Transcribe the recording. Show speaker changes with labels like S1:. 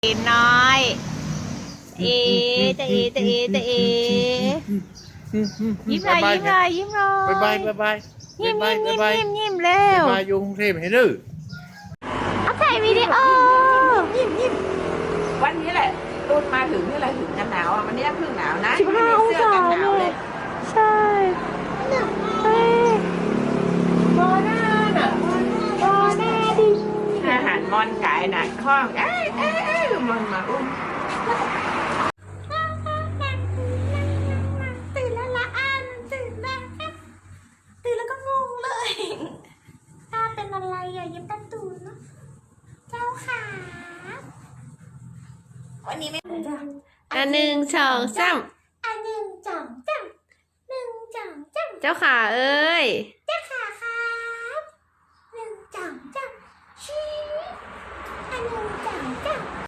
S1: เอ๋น้อยเอจะเอจะเอจะเอยิ้มหน่อยยิ้มหน่อยยิ้มหน่อย
S2: บายบาย
S1: ยิ้มยิ้มยิ้ม
S2: บาย
S1: ยิ้มยิ้มเร็ว
S2: บายอยู่กรุงเทพให้ดื้อ
S1: เอาถ่ายวิดีโอยิ้ม
S3: วันนี้แหละตูนมาถึงนี่แหละถึงกันหนาวอ่ะวันนี้เพิ่งหนาวนะ
S1: 15 องศาเลยใช่เฮ้ยบอหน้าน่ะบอหน้าดิ
S3: อาหารมอนไก่หนักข้องมอนมาอุ้ม
S1: ตื่นแล้วละอันตื่นแล้วครับตื่นแล้วก็งงเลยตาเป็นอะไรอ่ะยิ้มตาตูนเนาะเจ้าขาวันนี้ไม่จ้ะ1 2 3 1 2 3 1 2 3เจ้าขาเอ้ย